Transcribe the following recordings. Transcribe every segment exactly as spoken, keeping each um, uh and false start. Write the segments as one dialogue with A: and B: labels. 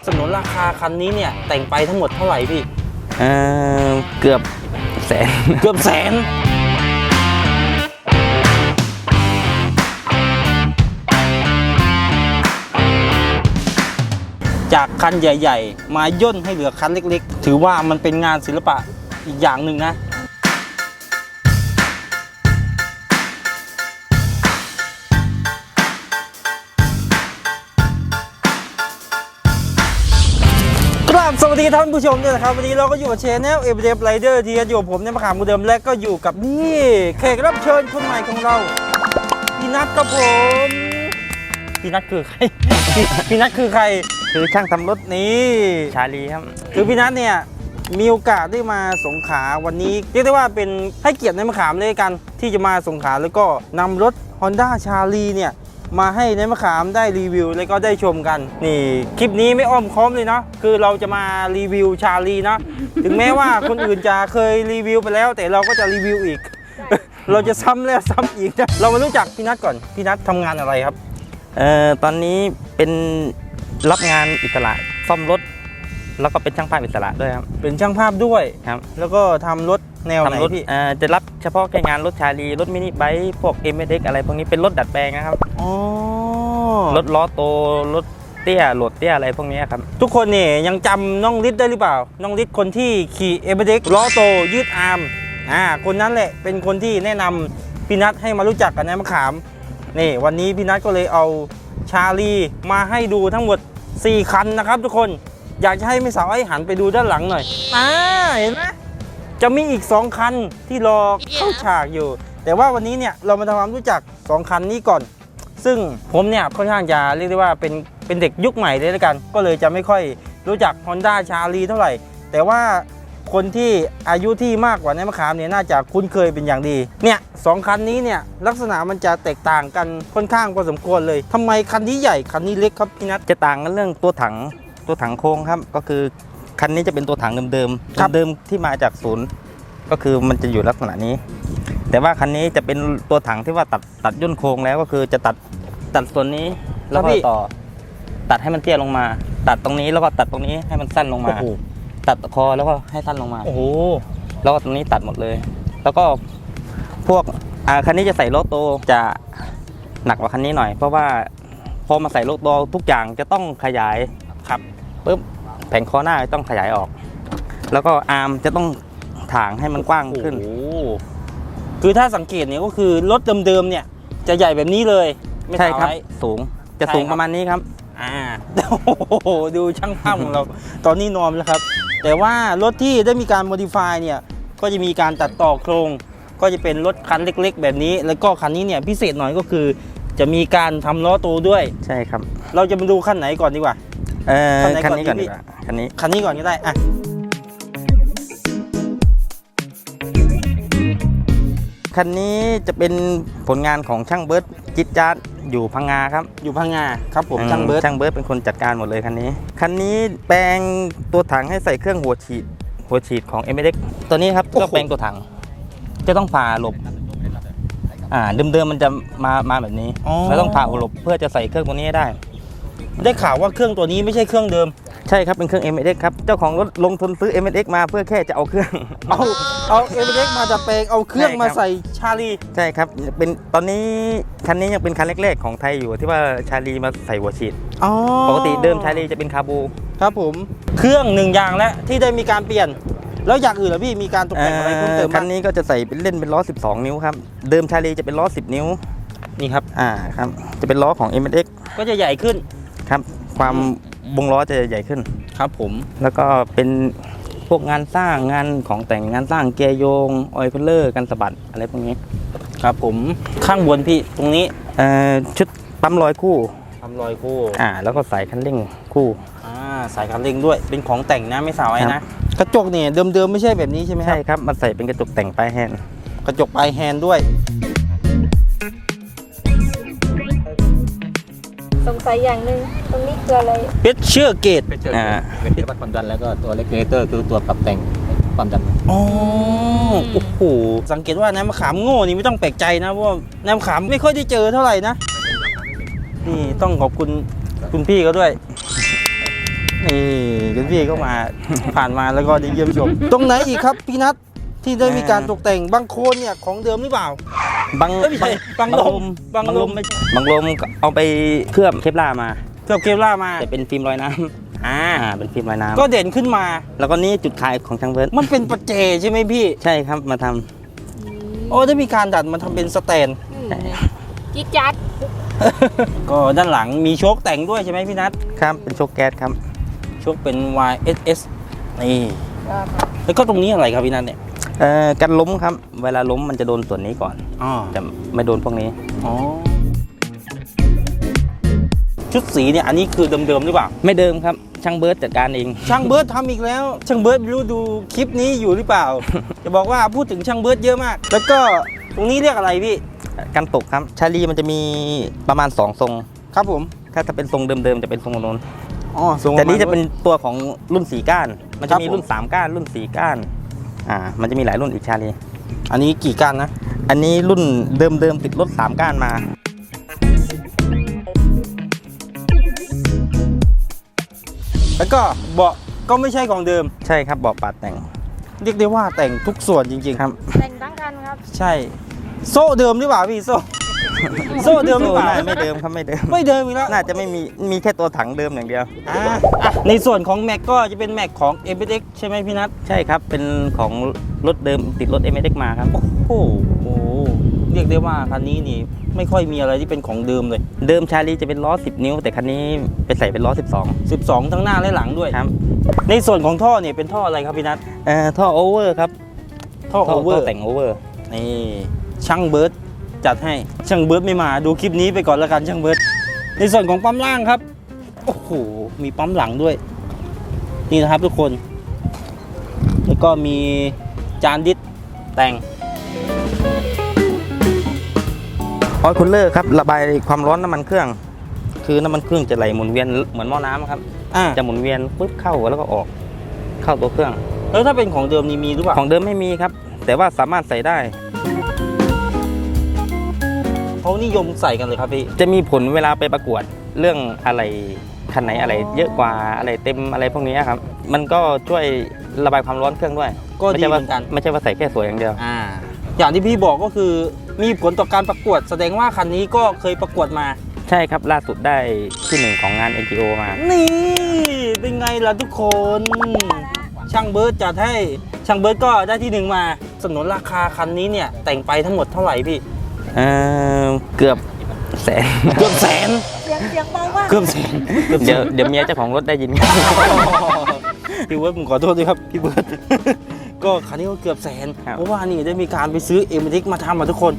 A: สนุนราคาคันนี้เนี่ยแต่งไปทั้งหมดเท่าไหร่พี่
B: เออเกือบแสน
A: เกือบแสนจากคันใหญ่ๆมาย่นให้เหลือคันเล็กๆถือว่ามันเป็นงานศิลปะอีกอย่างหนึ่งนะครับสวัสดีท่านผู้ชมด้วยนะครับวันนี้เราก็อยู่กับเชนแนลเอเวอเรสต์ไรเดอร์ที่อยู่ผมในมะขามกูเดิมและก็อยู่กับนี่แขกรับเชิญคนใหม่ของเราพี่นัทครับผมพี่นัทคือใคร พี่นัทคือใคร
B: คือช่างทำรถ
A: นี่
B: ชาลีครับ
A: คือพี่นัทเนี่ยมีโอกาสได้มาสงขลาวันนี้เรียกได้ว่าเป็นให้เกียรติในมะขามเลยกันที่จะมาสงขลาแล้วก็นำรถ Honda ชาลีเนี่ยมาให้ในมะขามได้รีวิวแล้วก็ได้ชมกันนี่คลิปนี้ไม่อ้อมค้อมเลยเนาะคือเราจะมารีวิวชาลีนะถึงแม้ว่าคนอื่นจะเคยรีวิวไปแล้วแต่เราก็จะรีวิวอีก เราจะซ้ำแล้วซ้ำอีกนะเรามารู้จักพี่นัทก่อนพี่นัททำงานอะไรครับ
B: เอ่อตอนนี้เป็นรับงานอิสระซ่อมรถแล้วก็เป็นช่างภาพอิสระด้วยครับ
A: เป็นช่างภาพด้วย
B: ครับ
A: แล้วก็ทำรถแนวไหนพี่
B: เอ่อจะรับเฉพาะแค่งานรถชาลีรถมินิไบค์พวก เอ็ม เอส เอ็กซ์ อะไรพวกนี้เป็นรถดัดแปลงนะครับ
A: อ๋อ
B: รถล้อโตรถเตี้ยโหลดเตี้ยอะไรพวกนี้ครับ
A: ทุกคนเนี่ยยังจำน้องฤทธิ์ได้หรือเปล่าน้องฤทธิ์คนที่ขี่ เอ็ม เอส เอ็กซ์ ล้อโตยืดอาร์มอ่าคนนั้นแหละเป็นคนที่แนะนำพี่นัทให้มารู้จักกันในมะขามนี่วันนี้พี่นัทก็เลยเอาชาลีมาให้ดูทั้งหมดสี่คันนะครับทุกคนอยากจะให้ไม่สาวไอ้หันไปดูด้านหลังหน่อยอ่าเห็นไหมจะมีอีกสองคันที่รอเข้าฉากอยู่แต่ว่าวันนี้เนี่ยเรามาทำความรู้จักสองคันนี้ก่อนซึ่งผมเนี่ยค่อนข้างจะเรียกได้ว่าเป็นเป็นเด็กยุคใหม่เลยแล้วกันก็เลยจะไม่ค่อยรู้จัก Honda ชาลีเท่าไหร่แต่ว่าคนที่อายุที่มากกว่าในมะขามเนี่ยน่าจะคุ้นเคยเป็นอย่างดีเนี่ยสองคันนี้เนี่ยลักษณะมันจะแตกต่างกันค่อนข้างพอสมควรเลยทำไมคันนี้ใหญ่คันนี้เล็กครับพี่นัท
B: จะต่างกันเรื่องตัวถังตัวถังโค้งครับก็คือคันนี้จะเป็นตัวถังเดิมๆเดิมที่มาจากศูนย์ก็คือมันจะอยู่ลักษณะนี้แต่ว่าคันนี้จะเป็นตัวถังที่ว่าตัดตัดย่นโค้งแล้วก็คือจะตัดตัดส่วนนี้แล้วก็ต่อตัดให้มันเตี้ยลงมาตัดตรงนี้แล้วก็ตัดตรงนี้ให้มันสั้นลงมาตัดคอแล้วก็ให้สั้นลงมา
A: โอ้โห
B: แล้วก็ตรงนี้ตัดหมดเลยแล้วก็พวกอ่าคันนี้จะใส่โลโตจะหนักกว่าคันนี้หน่อยเพราะว่าพอมาใส่โลโตทุกอย่างจะต้องขยาย
A: ครับ
B: ปุ๊บแผงคอหน้าต้องขยายออกแล้วก็อาร์มจะต้องถางให้มันกว้างขึ้น
A: คือถ้าสังเกตเนี่ยก็คือรถเดิมๆเนี่ยจะใหญ่แบบนี้เลย
B: ใช่ครับสูงจะสูงประมาณนี้ครับ
A: อ่าโอ้โหดูช่างภาพของเราตอนนี้นอนแล้วครับแต่ว่ารถที่ได้มีการโมดิฟายเนี่ยก็จะมีการตัดต่อโครงก็จะเป็นรถคันเล็กๆแบบนี้แล้วก็คันนี้เนี่ยพิเศษหน่อยก็คือจะมีการทำล้อโตด้วย
B: ใช่ครับ
A: เราจะมาดูคันไหนก่อนดีกว่า
B: เออคันนี้ก่อนดีกว่าคันนี้
A: คันนี้ก่อนก็ได้อ่ะ
B: คันนี้จะเป็นผลงานของช่างเบิร์ดจิตจัดอยู่พังงาครับ
A: อยู่พังงาครับผมช่างเบิร์ด
B: ช่างเบิร์ดเป็นคนจัดการหมดเลยคันนี้คันนี้แปลงตัวถังให้ใส่เครื่องหัวฉีดหัวฉีดของ เอ็ม เอส เอ็กซ์ ตัวนี้ครับก็แปลงตัวถังจะต้องผ่าหลบอ่าเดิมๆมันจะมามาแบบนี้แล้วต้องผ่าหลบเพื่อจะใส่เครื่องตัวนี้ให้ได้
A: ได้ข่าวว่าเครื่องตัวนี้ไม่ใช่เครื่องเดิม
B: ใช่ครับเป็นเครื่อง เอ็ม เอส เอ็กซ์ ครับเจ้าของรถลงทุนซื้อ เอ็ม เอส เอ็กซ์ มาเพื่อแค่จะเอาเครื่อง
A: เอาเอา เอ็ม เอส เอ็กซ์ มาจะแปลงเอาเครื่องมาใส่ชาลี
B: ใช่ครับเป็นตอนนี้คันนี้ยังเป็นคันแรกๆของไทยอยู่ที่ว่าชาลีมาใส่หัวฉีดปกติเดิมชาลีจะเป็นคาบู
A: ครับผมเครื่องหนึ่งอย่างแล้วที่ได้มีการเปลี่ยนแล้วอย่างอื่นเหรอพี่มีการตกแต่งอะไรเพิ่มเติม
B: คันนี้ก็จะใส่เป็นเล่นเป็นล้อสิบสองนิ้วครับเดิมชาลีจะเป็นล้อสิบนิ้ว
A: นี่ครับ
B: อ่าครับจะเป็นล้อของ เอ็ม เอส เอ็กซ์
A: ก็จะใหญ่ขึ้น
B: ครับความวงล้อจะใหญ่ขึ้น
A: ครับผม
B: แล้วก็เป็นพวกงานสร้างงานของแต่งงานสร้างเกียร์โยงออยล์เพลเลอร์กันสะบัดอะไรพวกนี้
A: ครับผมข้างบนพี่ตรงนี้
B: เอ่อชุดปั๊มลอยคู่
A: ปั๊มลอยคู่
B: อ่าแล้วก็สายคันเร่งคู่
A: อ่าสายคันเร่งด้วยเป็นของแต่งนะไม่สาวไอ้นะกระจกเนี่ยเดิมๆไม่ใช่แบบนี้ใช่ไหมครับ
B: ใช่ครับมันใส่เป็นกระจกแต่งปลายแฮนด์
A: กระจกปลายแฮนด์ด้วย
C: สงสัยอย่างหนึ่งตรงนี้คืออะไร
A: เพชรเชื่อเกต
D: อ่าเป็นที่วัดความดันแล้วก็ตัวเลกูเลเตอร์คือตัวปรับแต่งความดัน
A: อ๋อโอ้โหสังเกตว่าน้ำมะขามโง่นี่ไม่ต้องแปลกใจนะเพราะว่าน้ำมะขามไม่ค่อยได้เจอเท่าไหร่นะนี่ต้องขอบคุณคุณพี่เขาด้วยนี่คุณพี่ก็มา ผ่านมาแล้วก็ได้เยี่ยมชม ตรงไหนอีกครับพี่นัทที่ได้มีการตกแต่งบางโคนเนี่ยของเดิมหรือเปล่า
B: บาง
A: เอ้ยไม่ใช่บางลม
B: บาง
A: บางล
B: ล
A: ม
B: มไม่บางลมเอาไปเคลือบเคปลาร์มา
A: เคลือบเคปล่าร์มา
B: แต่เป็นฟิล์มลอยน้ำ
A: อ่า
B: อ่าเป็นฟิล์มลอยน้ำ
A: ก็เด่นขึ้นมา
B: แล้วก็นี่จุดขายของช่างเบิร์ด
A: มันเป็นประเจใช่ไหมพี่
B: ใช่ครับมาทำ
A: โอ้ได้มีการดัดมาทำเป็นสแตน
C: อืมจิ๊กจัด
A: ก็ด้านหลังมีโชคแต่งด้วยใช่ไหมพี่นัท
B: ครับเป็นโชคแก๊สครับ
A: โชคเป็น วาย เอส เอส นี่แล้วก็ตรงนี้อะไรครับพี่นัทเนี่ย
B: เอ่อกันล้มครับ เวลาล้มมันจะโดนส่วนนี้ก่อน
A: อ๋อ
B: จะไม่โดนพวกนี้
A: อ๋อชุดสีเนี่ยอันนี้คือเดิมๆหรือเปล่า
B: ไม่เดิมครับช่างเบิร์ดจัดการเอง
A: ช่างเบิร์ดทำอีกแล้ว ช่างเบิร์ดไม่รู้ดูคลิปนี้อยู่หรือเปล่า จะบอกว่าพูดถึงช่างเบิร์ดเยอะมาก แล้วก็ตรงนี้เรียกอะไรพี่
B: กันตกครับชาลีมันจะมีประมาณสองทรง
A: ครับผม
B: ถ้าจะเป็นทรงเดิมๆจะเป็นทรงโน้น
A: อ๋อทรง
B: แต่นี้จะเป็นตัวของรุ่นสี่ก้าน มัน
A: ครั
B: จะ
A: บ
B: มี
A: ผม
B: รุ่นสามก้านรุ่นสี่ก้านอ่ามันจะมีหลายรุ่นอีกชาลี
A: อันนี้กี่ก้านนะ
B: อันนี้รุ่นเดิมๆติดรถสามก้านมา
A: แล้วก็เบาะก็ไม่ใช่ของเดิม
B: ใช่ครับเบาะปาดแต่ง
A: เรียกได้ว่าแต่งทุกส่วนจริงๆ
B: ครับ
C: แต่งตั้งกันครับ
A: ใช่ โซ่เดิมหรือเปล่าพี่โซ่ โซ่เดิมหรือเปล่า
B: โซ่น่ไม่เดิมครับไม่เดิม
A: ไม่เดิมอีกแล้ว
B: น่าจะไม่มีมีแค่ตัวถังเดิมอย่างเดียว
A: อ่าอ่ะในส่วนของแม็กก็จะเป็นแม็กของ เอ็ม เอส เอ็กซ์ ใช่ไหมพี่นัท
B: ใช่ครับเป็นของรถเดิมติดรถ เอ็ม เอ เอ็กซ์ มาครับ
A: โอ้โหเรียกได้ว่าคันนี้นี่ไม่ค่อยมีอะไรที่เป็นของเดิมเลย
B: เดิมชาลีจะเป็นล้อสิบนิ้ว แต่คันนี้ไปใส่เป็นล้อสิบสอง
A: สิบสองทั้งหน้าและหลังด้วย
B: ครับ
A: ในส่วนของท่อเนี่ยเป็นท่ออะไรครับพี่นัท
B: เอ่อท่อโอเวอร์ครับ
A: ท่อโอเวอร์
B: แต่งโอเวอร์
A: นี่ช่างเบิร์ดจัดให้ช่างเบิร์ดไม่มาดูคลิปนี้ไปก่อนละกันช่างเบิร์ดในส่วนของปั๊มล่างครับโอ้โหมีปั๊มหลังด้วย นี่นะครับทุกคน แล้วก็มีจานดิสแต่ง
B: ออยล์คูลเลอร์ครับระบายความร้อนน้ำมันเครื่อง คือน้ำมันเครื่องจะไหลหมุนเวียนเหมือนหม้อน้ำครับ
A: อ่า
B: จะหมุนเวียนปุ๊บเข้าแล้วก็ออกเข้าตัวเครื่อง
A: แล้วถ้าเป็นของเดิมนี่มีหรือเปล่า
B: ของเดิมไม่มีครับ แต่ว่าสามารถใส่ได้
A: เขานิยมใส่กันเลยครับพี่
B: จะมีผลเวลาไปประกวดเรื่องอะไรคันไหนอะไรเยอะกว่าอะไรเต็มอะไรพวกนี้ครับ มันก็ช่วยระบายความร้อนเครื่องด้วย
A: ก็ดี
B: ไม่ใช่
A: เห
B: ว่า
A: มือนกัน
B: ไม่ใช่ว่าใส่แค่สวยอย่างเดียว
A: อ่าอย่างที่พี่บอกก็คือมีผลต่อการประกวด แสดงว่าคันนี้ก็เคยประกวดมา
B: ใช่ครับล่าสุดได้ที่หนึ่งของงาน เอ็น จี โอ มา
A: นี่เป็นไงล่ะทุกคน ช่างเบิร์ดจัดให้ช่างเบิร์ดก็ได้ที่หนึ่งมาสนนราคาคันนี้เนี่ยแต่งไปทั้งหมดเท่าไหร่พี่
B: เออเกือบแสน
A: เกือบแสน
C: เสียงเสียงเบามาก
A: เกือบแสนเกือบแส
B: เดี๋ยวน เดี๋ยวเมียเจ้าของรถได้ยิน
A: พี่เบิร์ดผมขอโทษด้วยครับพี่เบิร์ด ก็คันนี้ก็เกือบแสน
B: ครับ
A: เพราะว่านี่ได้มีการไปซื้อเอ็มดิกมาทำมาทุกคน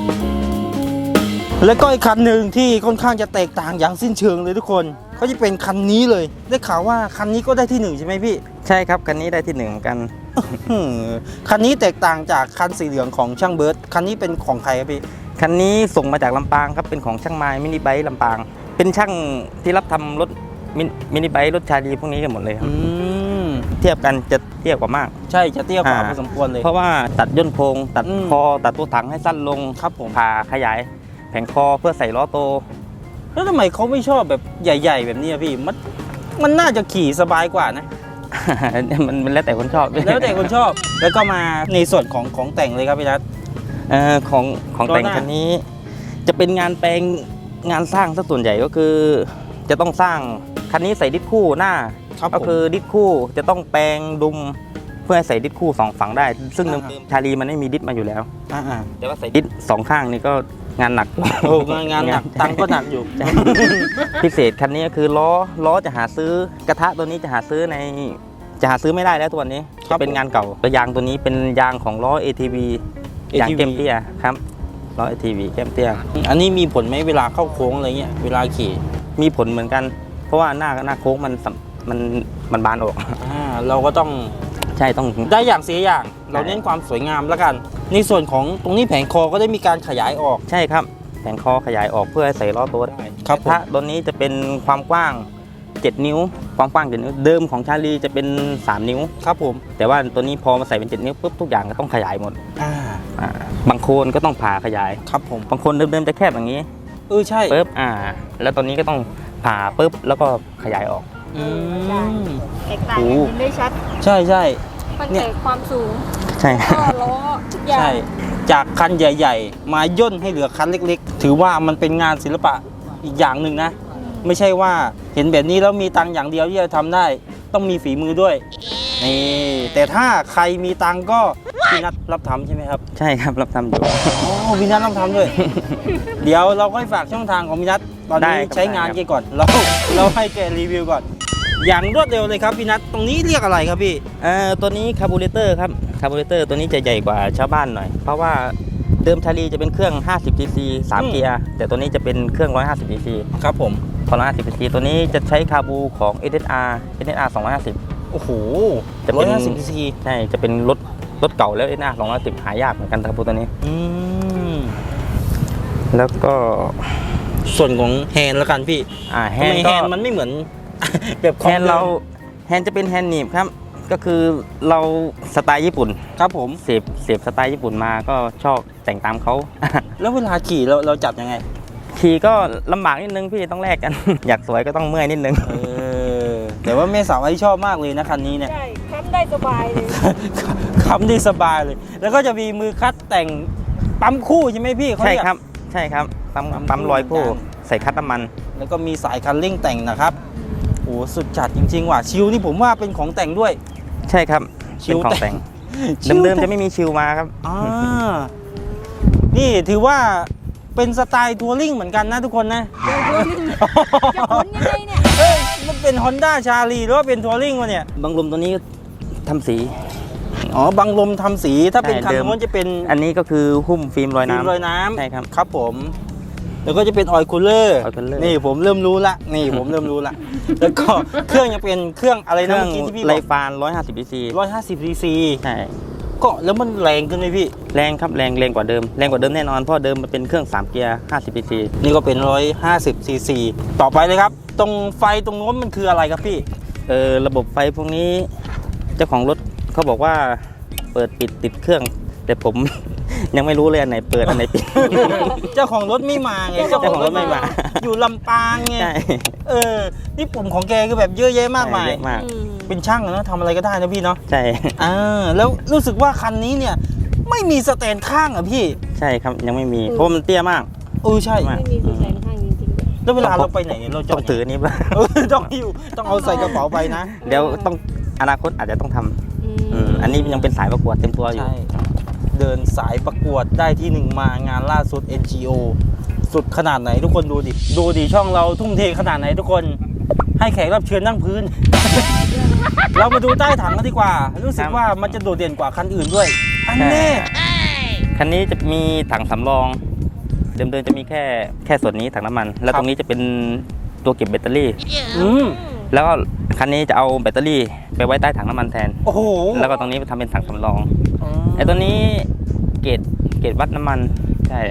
A: แล้วก็อีกคันหนึ่งที่ค่อนข้างจะแตกต่างอย่างสิ้นเชิงเลยทุกคนเขาจะเป็นคันนี้เลย ได้ข่าวว่าคันนี้ก็ได้ที่หนึ่งใช่ไหมพี่
B: ใช่ครับคันนี้ได้ที่หนึ่งเหมือนกัน
A: อืมคันนี้แตกต่างจากคันสีเหลืองของช่างเบิร์ดคันนี้เป็นของใครครับพี่
B: คันนี้ส่งมาจากลำปางครับเป็นของช่างไม้มินิไบค์ลำปาง เป็นช่างที่รับทำรถมินมินิไบค์รถชาลีพวกนี้กันหมดเลยครับ
A: อืม
B: เทียบกันจะเทียบกว่ามาก
A: ใช่จะเตี้ยกว่า
B: อ่า
A: พอสมควรเลย
B: เพราะว่าตัดย่นโครงตัด
A: อืม
B: คอตัดตัวถังให้สั้นลง
A: ครับผม
B: ผ่าขยายแผงคอเพื่อใส่ล้อโต
A: แล้วทำไมเขาไม่ชอบแบบใหญ่ ๆ แบบนี้อะพี่มันมันน่าจะขี่สบายกว่านะ
B: มันมันแล้วแต่คนชอบด้วย
A: แล้วแต่คนชอบ แล้วก็มาในส่วนของของแต่งเลยครับพี่นัท
B: เอ่อของของแต่ง
A: ล้อหน้า
B: คันนี้ จะเป็นงานแปลงงานสร้างซะส่วนใหญ่ก็คือ จะต้องสร้างคันนี้ใส่ดิสคู่หน้า
A: ครับ
B: ก็
A: ผม
B: คือดิสคู่จะต้องแปลงดุมเพื่อให้ใส่ดิสคู่สองฝั่งได้ ซึ่ง
A: อ่า
B: เดิมๆชาลีมันไม่มีดิสมาอยู่แล้ว
A: อ่า
B: แต่ว่าใส่ดิสสองข้างนี่ก็งานหนัก
A: ๆโอ้งานงานหนักตังค์ก็หนักอยู่
B: ใช่ พิเศษคันนี้ก็คือล้อล้อจะหาซื้อกระทะตัวนี้จะหาซื้อในจะหาซื้อไม่ได้แล้วตัวนี้
A: ครั
B: จะ
A: บ
B: เป็นงานเก่าตัวยางตัวนี้เป็นยางของล้อ เอ ที วี ยาง
A: เอ ที วี
B: เกมเตี้ยครับล้อ เอ ที วี แก้มเตี้ย
A: อันนี้มีผลไหมเวลาเข้าโค้งอะไรเงี้ยเวลาขี่
B: มีผลเหมือนกัน เพราะว่าหน้าหน้าโค้งมันสัมมันมันบานออก
A: อ่าเราก็ต้อง
B: ใช่ต้อง
A: ได้อย่างเสียอย่าง เราเน้นความสวยงามแล้วกัน ในส่วนของตรงนี้แผงคอก็ได้มีการขยายออก
B: ใช่ครับแผงคอขยายออกเพื่อให้ใส่ล้อตัวได้
A: ครับผม
B: ถ้าตัวนี้จะเป็นความกว้างเจ็ดนิ้ว ความกว้างเจ็ดนิ้วเดิมของชาลีจะเป็นสามนิ้ว
A: ครับผม
B: แต่ว่าตัวนี้พอมาใส่เป็นเจ็ดนิ้วปุ๊บทุกอย่างก็ต้องขยายหมด
A: อ่า
B: อ่าบางโคนก็ต้องผ่าขยาย
A: ครับผม
B: บางคนเดิมๆจะแคบอย่างนี้
A: เออใช่
B: ปุ๊บอ่า แล้วตอนนี้ก็ต้องผ่าปุ๊บแล้วก็ขยายออก
A: ออืม
C: แตกต่าง
A: โอ้
C: กันเห็นได้ชัด
A: ใช่ใช่
C: ตั้ง
A: เนี่ย
C: แต่ความสูง
B: ใช่
C: ก็ล้อทุกอย่าง
A: ใช่ จากคันใหญ่ ๆ มาย่นให้เหลือคันเล็ก ๆ ถือว่ามันเป็นงานศิลปะอีกอย่างหนึ่งนะ ไม่ใช่ว่าเห็นแบบนี้แล้วมีตังค์อย่างเดียวที่จะทำได้ ต้องมีฝีมือด้วย นี่ แต่ถ้าใครมีตังค์ก็พี่นัทรับทำใช่ไหมครับ
B: ใช่ครับรับทำอยู่
A: อ๋อพี่นัทรับทำด้วย เดี๋ยวเราค่อยฝากช่องทางของพี่นัทตอนนี้
B: ได้ครับ
A: ใช้งาน
B: ได้ครับ
A: แกก่อน เราเราให้แกรีวิวก่อน อย่างรวดเร็วเลยครับพี่นัทตรงนี้เรียกอะไรครับพี่
B: เอ่อตัวนี้คาร์บูเรเตอร์ครับคาร์บูเรเตอร์ตัวนี้จะใหญ่กว่าชาวบ้านหน่อย เพราะว่าเดิมชาลีจะเป็นเครื่อง ห้าสิบ ซี ซี สาม
A: อืม
B: เกียร์ แต่ตัวนี้จะเป็นเครื่อง หนึ่งร้อยห้าสิบ ซี ซี
A: ครับผม
B: พอหนึ่งร้อยห้าสิบ ซี ซี ตัวนี้จะใช้คาร์บูของ เอส เอส อาร์ เอส เอส อาร์ สองร้อยห้าสิบ
A: โอ้โห
B: จะ
A: ร้
B: เป็
A: อย
B: น
A: ห้าสิบซีซี
B: ใช่ จะเป็นรถรถเก่าแล้ว เอส เอส อาร์ สองร้อยห้าสิบ หายากเหมือนกันคาร์บูตัวนี้
A: อืม
B: แล้วก็
A: ส่วนของแฮนด์แล้วกันพี่
B: อ่าแฮ
A: ทำ
B: น
A: ไม
B: ด์
A: แฮ
B: ก็
A: นด์มันไม่เหมือน แบบข
B: แฮ
A: อง
B: นด์เราแฮนด์จะเป็นแฮนด์หนีบครับ ก็คือเราสไตล์ญี่ปุ่น
A: ครับผม
B: เสพเสพสไตล์ญี่ปุ่นมาก็ชอบแต่งตามเขา
A: แล้วเวลาขี่เราเราจับยังไง
B: ขี่ก็ลำบากนิดนึงพี่ต้องแลกกัน อยากสวยก็ต้องเมื่อยนิดนึง
A: เออ แต่ว่าแม่สาวไอ้ชอบมากเลยนะคันนี้เนี่ย
C: ใช่ทำได้สบายเลย
A: ขับได้สบายเลย แล้วก็จะมีมือคัดแต่งปั๊มคู่ใช่ไหมพี่เขา
B: ใช่
A: เรียก
B: ครับ ใช่ครับปั๊ม
A: ปั๊ม
B: ปั๊มลอย
A: คู่
B: คู่
A: เหมือนกัน
B: ใส่คัดน้ำมัน
A: แล้วก็มีสายคันเร่งแต่งนะครับโอ้สุดจัดจริงๆว่ะชิวนี่ผมว่าเป็นของแต่งด้วย
B: ใช่ครับ
A: ชิ
B: เป็น
A: ว
B: ของแต่ง เดิมๆจะไม่มีชิวมาครับ
A: อ่านี่ถือว่าเป็นสไตล์ทัวริงเหมือนกันนะทุกคนนะ
C: จะขนยังไงเนี่ย
A: เอ้ยมันเป็น Honda ชาลีหรือว่าเป็นทัวริงวะเนี่ย
B: บางลมตัวนี้ทำสี
A: อ๋อ บังลมทำสีถ้าเป็น
B: ใช่
A: คัน
B: เดิม
A: โน้นจะเป็น
B: อันนี้ก็คือหุ้มฟิล์มลอย
A: ฟิล์ม
B: น้ำ
A: ลอยน้ำ
B: ใช่ครับ
A: ครับผม แล้วก็จะเป็นออยล์คูลเลอร์
B: oil cooler
A: นี่ผมเริ่มรู้ละ นี่ผมเริ่มรู้ละ แล้วก็เครื่องยังเป็นเครื่องอะไร
B: เค
A: นะ
B: รื่อง
A: เมื่อกี้ที่พี่บ
B: ไร
A: อก
B: ฟานร้อยห้าสิบ ซี ซี
A: ร้อยห้าสิบซีซี
B: ใช่
A: ก็แล้วมันแรงขึ้นไหมพี่
B: แรงครับแรงแรงกว่าเดิมแรงกว่าเดิมแน่นอนเพราะเดิมมันเป็นเครื่องสามเกียร์ห้าสิบ ซี ซี
A: นี่ก็เป็นร้อยห้าสิบซีซีต่อไปเลยครับ ตรงไฟตรงโน้นมันคืออะไรครับพี่
B: เออระบบไฟพวกนี้เจ้าของรถเขาบอกว่าเปิดปิดติดเครื่อง แต่ผม ยังไม่รู้เลยอันไหนเปิดอันไหนปิด
A: เจ้าของรถไม่มาไง
B: เจ้าของรถไม่มา
A: อยู่ลำปางไง
B: ใช่
A: เออ นี่ปุ่มของแกคือแบบเยอะแยะมากมาย
B: เยอะมาก
C: อืม
A: เป็นช่างอะเนอะทำอะไรก็ได้นะพี่เนาะ
B: ใช่
A: อ่าแล้วรู้สึกว่าคันนี้เนี่ย ไม่มีสแตนข้างอ่ะพี่
B: ใช่ครับยังไม่มีเพราะมันเตี้ยมาก
A: เออใช่
B: มาก
C: ไม่มีสแตนข้างจริงๆด้วย
A: แล้วเวลาเราไปไหนเราจะ
B: ต้องถืออนนี้ป่ะ
A: เออต้องอยู่ต้องเอาใส่กระเป๋าไปนะ
B: เดี๋ยวต้องอนาคตอาจจะต้องทำ
C: อืม
B: อืมอันนี้ยังเป็นสายประกวดเต็มตัวอยู่
A: ใช่ เดินสายประกวดได้ที่หนึ่งมางานล่าสุด เอ็น จี โอ สุดขนาดไหนทุกคนดูดิ ดูดิช่องเราทุ่มเทขนาดไหนทุกคน ให้แขกรับเชิญนั่งพื้น เรามาดูใต้ถังกันดีกว่า รู้สึกว่ามันจะโดดเด่นกว่าคันอื่นด้วย อันแน่
B: คันนี้จะมีถังสำรอง เดิมๆจะมีแค่แค่ส่วนนี้ถังน้ำมัน แล้วตรงนี้จะเป็นตัวเก็บแบตเตอรี่
A: อืม
B: แล้วก็คันนี้จะเอาแบตเตอรี่ไปไว้ใต้ถังน้ำมันแทน
A: โอ้โห
B: แล้วก็ตรงนี้ทำเป็นถังสำรองไอ้ตัวนี้เกรดเกรดวัดน้ำมันใช่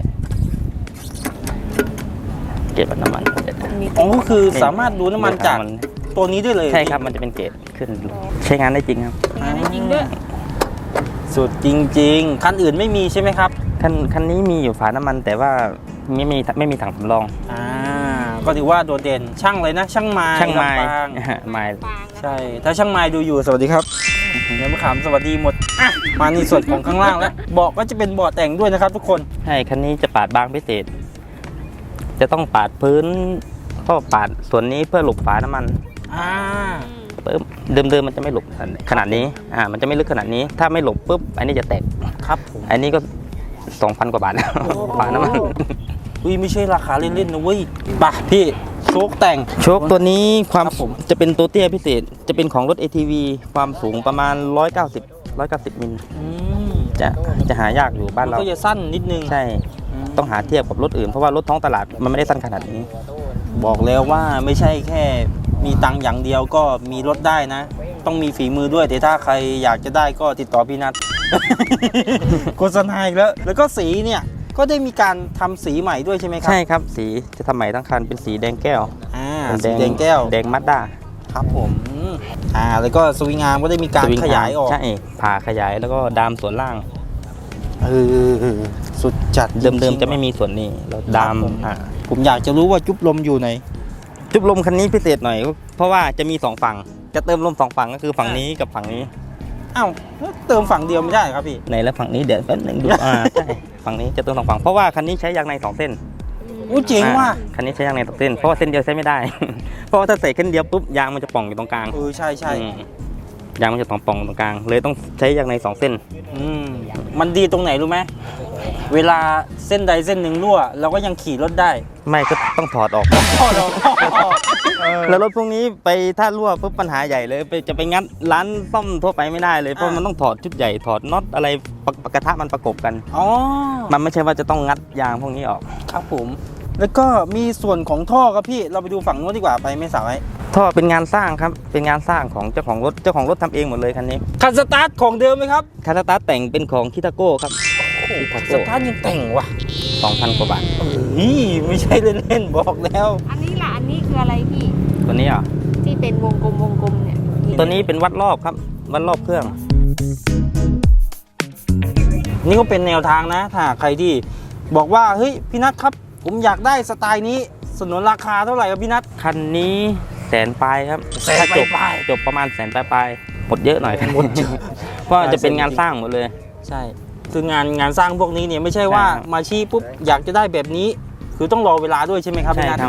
B: เกรดวัดน้ำมัน
C: มี
A: อ๋อคือสามารถดูน้ำมันจากตัวนี้ได้เลย
B: ใช่ครับมันจะเป็นเกรดขึ้นใช้งานได้จริงครับ
C: งานได้จริงด้วย
A: สุดจริงๆ คันอื่นไม่มีใช่ไหมครับ
B: คันคันนี้มีอยู่ฝาน้ำมันแต่ว่าไม่มีไม่มีถังสำรอง
A: อ่า ก็ถือว่าโดดเด่น ช่างเลยนะ ช่างไม้
B: ช่างไม้
A: ลำปาง
B: ไม้
C: ปางนะ
A: ใช่ ถ้าช่างไม้ดูอยู่สวัสดีครับเดี๋ยวมะขามสวัสดีหมดอ่ะมาในส่วนของข้างล่างแล้วเบาะก็จะเป็นเบาะแต่งด้วยนะครับทุกคน
B: ใช่คันนี้จะปาดบางพิเศษ จะต้องปาดพื้นก็ปาดส่วนนี้เพื่อหลบฝาน้ำมัน
A: อ่า
B: ปุ๊บเดิมๆมันจะไม่หลบขนาดนี้อ่ามันจะไม่ลึกขนาดนี้ ถ้าไม่หลบปุ๊บอันนี้จะแตก
A: ครับผม
B: อันนี้ก็สองพันกว่าบาทแล้วฝาน้ำมัน
A: อุ้ยไม่ใช่ราคาเล่นๆนะเว้ยไปะพี่โชคแต่ง
B: โชคตัวนี้ความ
A: ครับผม
B: จะเป็นตัวเตี้ยพิเศษ จะเป็นของรถ เอ ที วี ความสูงประมาณหนึ่งร้อยเก้าสิบ หนึ่งร้อยเก้าสิบมิล
A: อืม
B: จะจะหายากอยู่บ้าน
A: มัน
B: เรา
A: ก็จะสั้นนิดนึง
B: ใช่ต้องหาเทียบกับรถอื่นเพราะว่ารถท้องตลาดมันไม่ได้สั้นขนาดนี้
A: บอกแล้วว่าไม่ใช่แค่มีตังค์อย่างเดียวก็มีรถได้นะ ต้องมีฝีมือด้วยแต่ถ้าใครอยากจะได้ก็ติดต่อพี่นัท โฆษณาอีกแล้ว แล้วก็สีเนี่ยก็ได้มีการทำสีใหม่ด้วยใช่ไหมครับ
B: ใช่ครับสีจะทำใหม่ทั้งคันเป็นสีแดงแก้ว
A: อ่า
B: เป็น
A: สีแดงแก้ว
B: แดงมัดด้า
A: ครับผมอืมอ่าแล้วก็สวิงอาร์มก็ได้มีการ
B: สวิง
A: ขยายออก
B: ใช่ผ่าขยายแล้วก็ดามส่วนล่าง
A: เออสุดจัด
B: เดิม
A: จริ
B: ๆ
A: งๆ
B: จะไม่มีส่วนนี้เราดาม
A: ครับผม
B: อ่า
A: ผมอยากจะรู้ว่าจุ๊บลมอยู่ไหน จ
B: จุ๊บลมคันนี้พิเศษหน่อย เพราะว่าจะมีสองฝั่งจะเติมลมสองฝั่งก็คือฝั่งนี้กับฝั่งนี้
A: อ้าวเติมฝั่งเดียวไม่ได้เหรอครับพี่
B: ในและฝั่งนี้เดี๋ยวแป๊บหนึงดูอ่าใช่ฝั่งนี้จะเติมสองฝั่งเพราะว่าคันนี้ใช้ยางในสองเส้น
A: อู้เจ๋งว่ะ
B: อ่าคันนี้ใช้ยางในสองเส้นเพราะว่าเส้นเดียวใช้ไม่ได้ เพราะว่าถ้าใส่เส้นเดียวปุ๊บยางมันจะป่องอยู่ตรงกลาง
A: เออใช่ใช่
B: อืมยางมันจะป่องป่องตรงกลาง เลยต้องใช้ยางในสองเส้น
A: อืมมันดีตรงไหนรู้ไหมเวลาเส้นใดเส้นหนึ่งรั่ว เราก็ยังขี่รถได้
B: ไม่ก็ต้องถอดออก
A: พอเรา
B: แล้วรถพวกนี้ไปถ้ารั่วปุ๊บปัญหาใหญ่เลยไปจะไปงัดร้านซ่อมทั่วไปไม่ได้เลยเพราะมันต้องถอดชุดใหญ่ถอดน็อตอะไรปะปะกระทะมันประกบกัน
A: อ๋อ
B: มันไม่ใช่ว่าจะต้องงัดยางพวกนี้ออก
A: ครับผม แล้วก็มีส่วนของท่อครับพี่เราไปดูฝั่งนู้นดีกว่าไปไม่สาวไอ้
B: ท่อเป็นงานสร้างครับเป็นงานสร้างของเจ้าของรถเจ้าของรถทำเองหมดเลยคันนี้
A: คันสตาร์ทของเดิมไหมครับ
B: คาราตาแต่งเป็นของคิทาโก้ครับ
A: คันสตาร์ทยังแต่งว่ะ
B: สองพันกว่าบาท
A: เอ้ยไม่ใช่เล่นๆบอกแล้ว
C: อันนี้ล่ะอันนี้คืออะไรพี่
B: ตัวนี้อ่ะ
C: ที่เป็นวงกลมวงกลมเนี่ย
B: ตัวนี้เป็นวัดรอบครับวัดรอบเครื่อง
A: นี่ก็เป็นแนวทางนะถ้าใครที่บอกว่าเฮ้ยพี่นัทครับ ผมอยากได้สไตล์นี้สนนราคาเท่าไหร่ครับพี่นัท
B: คันนี้แสนปลายครับ
A: แสน
B: ถ้าจบ
A: ปลาย
B: จบประมาณแสนปลายปลายหมดเยอะหน่อย
A: หมดเยอะ
B: เพราะจะเป็นงานสร้างหมดเลย
A: ใช่คืองานงานสร้างพวกนี้เนี่ยไม่ใช่ว่า
B: ใช่ครับ
A: มาชี้ปุ๊บอยากจะได้แบบนี้ คือต้องรอเวลาด้วยใช่ไหมครับ
B: ใช่
A: พี่นัท
B: ครับ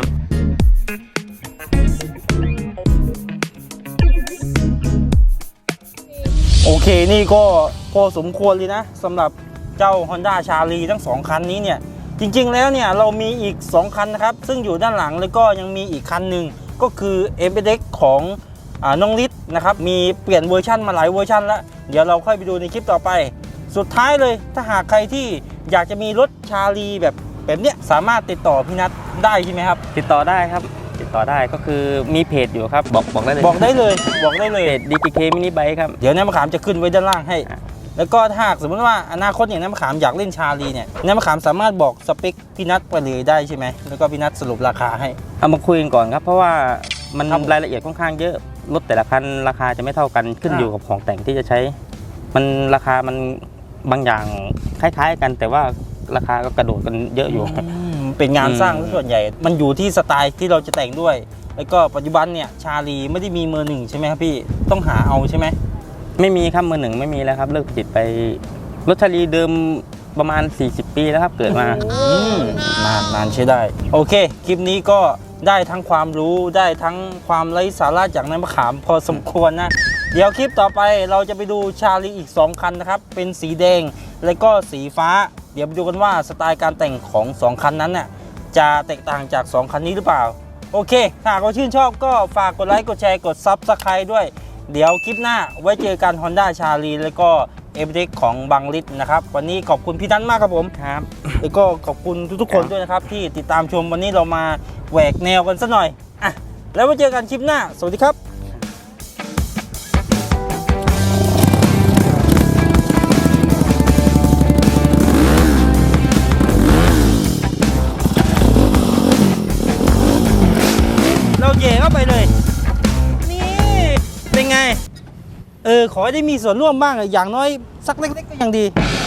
A: โอเคนี่ก็พอสมควรเลยนะสำหรับเจ้า Honda ชาลีทั้งสองคันนี้เนี่ยจริงๆแล้วเนี่ยเรามีอีกสองคันนะครับซึ่งอยู่ด้านหลังแล้วก็ยังมีอีกคันหนึ่งก็คือ เอ เอ็กซ์ ของอ่าน้องฤทธิ์นะครับมีเปลี่ยนเวอร์ชันมาหลายเวอร์ชันแล้วเดี๋ยวเราค่อยไปดูในคลิปต่อไป สุดท้ายเลยถ้าหากใครที่อยากจะมีรถชาลีแบบแบบเนี้ยสามารถติดต่อพี่นัทได้ใช่ไหมครับ
B: ติดต่อได้ครับ ติดต่อได้ก็คือมีเพจอยู่ครับ บอกบอกได้เลย
A: บอกได้เลยบอกได้เลย
B: เพจ ดี พี เค Mini Bike ครับ
A: เดี๋ยวน้ำมะขามจะขึ้นไว้ด้านล่างให้
B: อ่า
A: แล้วก็ถ้าหากสมมติว่าอนาคตอย่างน้ำมะขามอยากเล่นชาลีเนี่ยน้ำมะขามสามารถบอกสเปคพี่นัทไปเลยได้ใช่ไหมแล้วก็พี่นัทสรุปราคาให้
B: เอามาคุยกันก่อนครับ เพราะว่ามัน
A: ครับ
B: รายละเอียดค่อนข้างเยอะรถแต่ละคันราคาจะไม่เท่ากันขึ้น
A: อ่า
B: อยู่กับของแต่งที่จะใช้ มันราคามันบางอย่างคล้ายๆกัน แต่ว่าราคาก็กระโดดกันเยอะอยู่
A: อืมเป็นงานสร้างซะส่วนใหญ่ มันอยู่ที่สไตล์ที่เราจะแต่งด้วย แล้วก็ปัจจุบันเนี่ยชาลีไม่ได้มีมือหนึ่งใช่ไหมครับพี่ต้องหาเอาใช่ไหม
B: ไม่มีครับมือหนึ่งไม่มีแล้วครับเลิกผลิตไปรถชาลีเดิมประมาณ สี่สิบ ปีแล้วครับเกิดมา
A: อืมนานนานใช้ได้ โอเค คลิปนี้ก็ได้ทั้งความรู้ได้ทั้งความไร้สาระจากน้ำมะขามพอสมควรนะ เดี๋ยวคลิปต่อไปเราจะไปดูชาลีอีกสองคันนะครับ เป็นสีแดงและก็สีฟ้า เดี๋ยวไปดูกันว่าสไตล์การแต่งของสองคันนั้นน่ะจะแตกต่างจากสองคันนี้หรือเปล่า โอเค ถ้าหากว่าชื่นชอบก็ฝากกดไลค์กดแชร์กด ซับสไครบ์ ด้วย เดี๋ยวคลิปหน้าไว้เจอกัน Honda ชาลีแล้วก็ เอ เอ็กซ์ ของบังลิศนะครับ วันนี้ขอบคุณพี่นัทมากครับผม
B: ครับ
A: แล้วก็ขอบคุณทุกๆคนด้วยนะครับ ที่ติดตามชมวันนี้เรามาแหวกแนวกันสักหน่อยอ่ะแล้วไว้เจอกันคลิปหน้า สวัสดีครับเราเหย่เข้าไปเลย นี่ เป็นไง เออ ขอให้ได้มีส่วนร่วมบ้างอะอย่างน้อยสักเล็กๆก็ยังดี